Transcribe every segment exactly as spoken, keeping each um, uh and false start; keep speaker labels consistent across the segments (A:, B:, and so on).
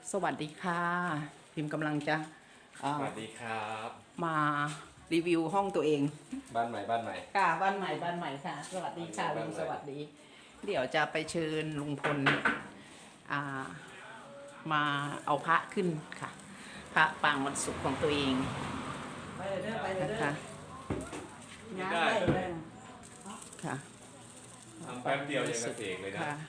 A: สวัสดีค่ะพิมพ์กำลังจะเอ่อ
B: สวัสดีครับ
A: มารีวิวห้องตัวเอง
B: บ้านใหม่บ้านใหม่
A: ค่ะบ้านใหม่บ้านใหม่ค่ะสวัสดีค่ะลุงสวัสดี เดี๋ยวจะไปเชิญลุงพลอ่ามาเอาพระขึ้นค่ะพระปางวันศุกร์ของตัวเอง
C: ไปเลยเด้อไปเลย
A: นะ
C: เด้อ
A: คะ
C: ย้ายไปเลย
A: ค่ะ
B: ทำแป๊บเดียวยังกระเสกเลยนะ
A: ค่ะ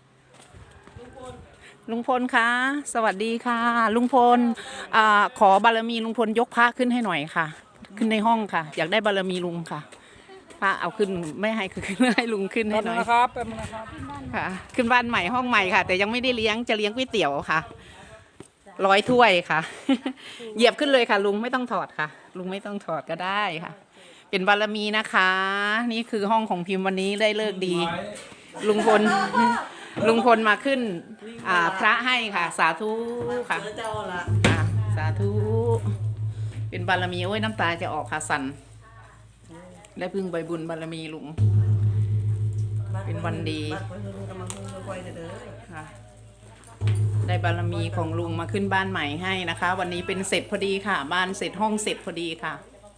A: ลุงพลคะสวัสดีค่ะ ลุงพลอ่าขอบารมีลุงพลยกพระขึ้นให้หน่อยค่ะ ขึ้นในห้องค่ะ อยากได้บารมีลุงค่ะพระเอาขึ้นไม่ให้คือขึ้นให้ลุงขึ้นให้หน่อย
C: นะครับแป๊บนึงนะครับ
A: ค่ะ ขึ้นบ้านใหม่ห้องใหม่ค่ะ แต่ยังไม่ได้เลี้ยงจะเลี้ยงก๋วยเตี๋ยวค่ะร้อยถ้วยค่ะ เหยียบขึ้นเลยค่ะ ลุงไม่ต้องถอดค่ะ ลุงไม่ต้องถอดก็ได้ค่ะ เป็นบารมีนะคะ นี่คือห้องของพิมพ์วันนี้ได้เลิกดี ลุงพล ลุงพลมาขึ้นอ่าพระให้ค่ะ สาธุค่ะ
C: เจอเจ้าละ
A: ค่ะสาธุเป็นบารมีโอ้ยน้ำตาจะออกค่ะสันได้พึ่งใบบุญบารมีลุง เป็นวันดี
C: บัดเพิ่นกำลังเพิ่งไว้เด้อ
A: ค่ะได้บารมีของลุงมาขึ้นบ้านใหม่ให้นะคะ วันนี้เป็นเสร็จพอดีค่ะ บ้านเสร็จห้องเสร็จพอดีค่ะ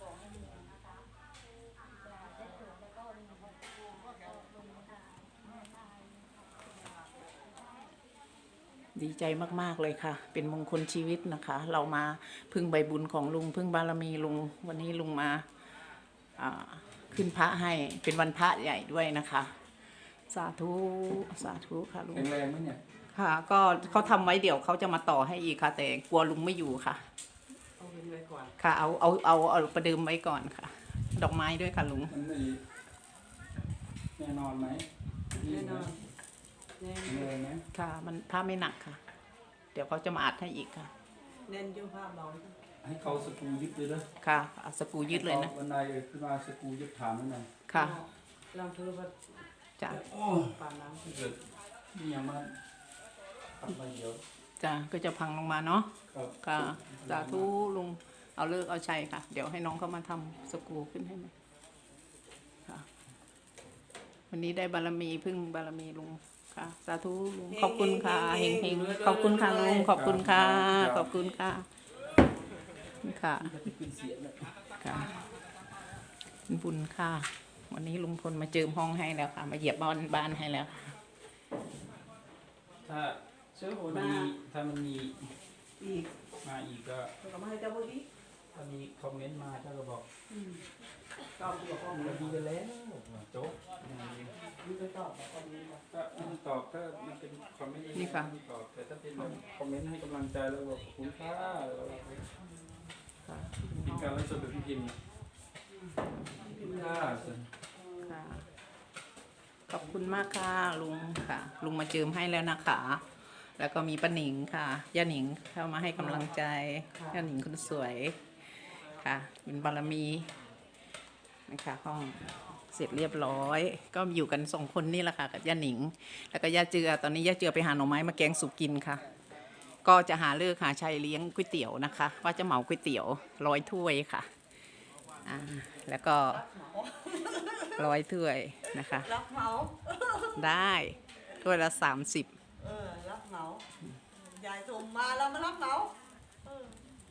A: ดีใจมากๆเลยค่ะ เป็นมงคลชีวิตนะคะ เรามาพึ่งใบบุญของลุงพึ่งบารมีลุง วันนี้ลุงมาอ่าขึ้นพระให้เป็นวันพระใหญ่ด้วยนะคะ สาธุสาธุค่ะลุง
B: แข็งแรงไหมเนี่ย
A: ค่ะ ก็เขาทำไว้เดี๋ยวเขาจะมาต่อให้อีกค่ะ แต่กลัวลุงไม่อยู่ค่ะ
C: เอาเงินไว้ก่อน
A: ค่ะเอาเอาเอาเอาประเดิมไว้ก่อนค่ะ ดอกไม้ด้วยค่ะลุง
D: มันไม่แน่นอนไหม
C: แน่นอนแน่น
D: แข็งแรงไหม
A: ค่ะ มันผ้าไม่หนักค่ะ เดี๋ยวเขาจะมาอัดให้อีกค่ะ
C: แน่นอยุ่ภาพเรา
D: ให้เขาสกรูยึดเลยเด้อ
A: ค่ะเอาสกรูยืดเลยนะ
D: วันใดขึ้นมาสกรูยึดฐานนั่นน่ะ
A: ค่ะ
C: ลองเธอว่า
A: จ้ะ
D: โอ้
C: ปานน้ำ
D: เกิดนี่ยังมาทำไปเดี๋ยว
A: จ้ะก็จะพังลงมาเนาะ
D: ครับ
A: ค่ะสาธุลุงเอาเลิกเอาชัยค่ะ เดี๋ยวให้น้องเขามาทำสกรูขึ้นให้ไหมค่ะวันนี้ได้บารมีพึ่งบารมีลุงค่ะสาธุลุงขอบคุณค่ะเฮงเฮงๆขอบคุณค่ะลุงขอบคุณค่ะขอบคุณค่ะค่ะ
D: จะขึ้นเสียงเลย
A: ค่ะเป็นบุญค่ะ วันนี้ลุงพลมาเจิมห้องให้แล้วค่ะ มาเหยียบบ้านบ้านให้แล้วค่ะ
D: ถ้า
C: เสื้อหัวห
D: มัน
C: น้า
D: มีถ้ามันมี
C: อีก
D: มาอีกก็
C: เราก็มาให้เจ้าพวกนี้
D: ถ้ามีคอมเมนต์มาถ้าก็บอก
C: ตอบตัวข้อมูล
D: เราดีกันแล้วโจ๊กอย่างนี้
C: มีไปตอบแบบข้อมูลก่อน
D: ถ้ามันตอบถ้ามันเป็นคอมเมนต์
A: นี่ค่ะ
D: มันตอบแต่ถ้าเป็นแบบคอมเมนต์ให้กำลังใจแล้วบอกขอบคุณค่าแล้วเรา
A: ค่ะ
D: เป็นการไลฟ์สดแบบพี่พิมพ์พิมพ์ค่า
A: ค่ะขอบคุณมากค่ะลุงค่ะ ลุงมาเจิมให้แล้วนะคะ แล้วก็มีป้าหนิงค่ะย่าหนิงเข้ามาให้กำลังใจย่าหนิงคนสวยค่ะเป็นบารมีนะคะห้องเสร็จเรียบร้อย ก็อยู่กันสองคนนี่แหละค่ะกับย่าหนิง แล้วก็ย่าเจือตอนนี้ย่าเจือไปหาหน่อไม้มาแกงสุกกินค่ะ ก็จะหาเลิกหาชัยเลี้ยงก๋วยเตี๋ยวนะคะ ว่าจะเหมาก๋วยเตี๋ยวร้อยถ้วยค่ะอ่าแล้วก็ร้อยถ้วยนะคะ
C: รับเหมา
A: ได้ถ้วยละสามสิบ
C: เออรับเหมายายส่งมาเรามารับเหมาเออ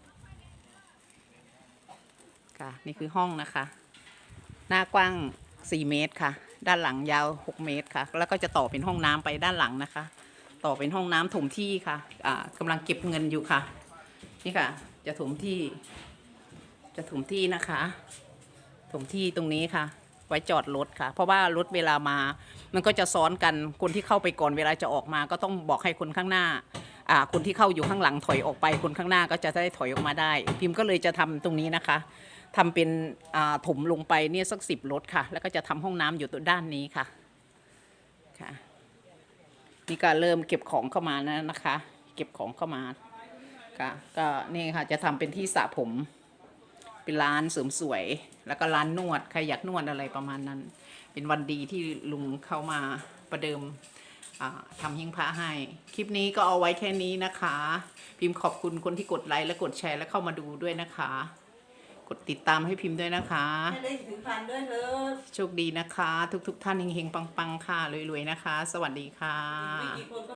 A: ค่ะนี่คือห้องนะคะ หน้ากว้างสี่เมตรค่ะ ด้านหลังยาวหกเมตรค่ะ แล้วก็จะต่อเป็นห้องน้ำไปด้านหลังนะคะ ต่อเป็นห้องน้ำถมที่ค่ะอ่ากำลังเก็บเงินอยู่ค่ะ นี่ค่ะ จะถมที่ จะถมที่นะคะ ถมที่ตรงนี้ค่ะ ไว้จอดรถค่ะ เพราะว่ารถเวลามา มันก็จะซ้อนกัน คนที่เข้าไปก่อนเวลาจะออกมา ก็ต้องบอกให้คนข้างหน้า อ่า คนที่เข้าอยู่ข้างหลังถอยออกไป คนข้างหน้าก็จะได้ถอยออกมาได้ พิมพ์ก็เลยจะทำตรงนี้นะคะทำเป็นอ่าถมลงไปเนี่ยสักสิบรถค่ะ แล้วก็จะทำห้องน้ำอยู่ตัวด้านนี้ค่ะ ค่ะ นี่ก็เริ่มเก็บของเข้ามาแล้วนะคะ เก็บของเข้ามา ค่ะ ก็นี่ค่ะจะทำเป็นที่สระผม เป็นร้านเสริมสวย แล้วก็ร้านนวด ใครอยากนวดอะไรประมาณนั้น เป็นวันดีที่ลุงเข้ามาประเดิมทำหิ้งพระให้ คลิปนี้ก็เอาไว้แค่นี้นะคะ พิมพ์ขอบคุณคนที่กดไลค์และกดแชร์และเข้ามาดูด้วยนะคะ กดติดตามให้พิมพ์ด้วยนะคะ
C: ให้ได้ถึงพันด้วยเถอะ
A: โชคดีนะคะ ทุกๆทท่านเฮงๆปังๆค่ะรวยๆนะคะ สวัสดีค่ะ
C: อีกไม่กี่คนก็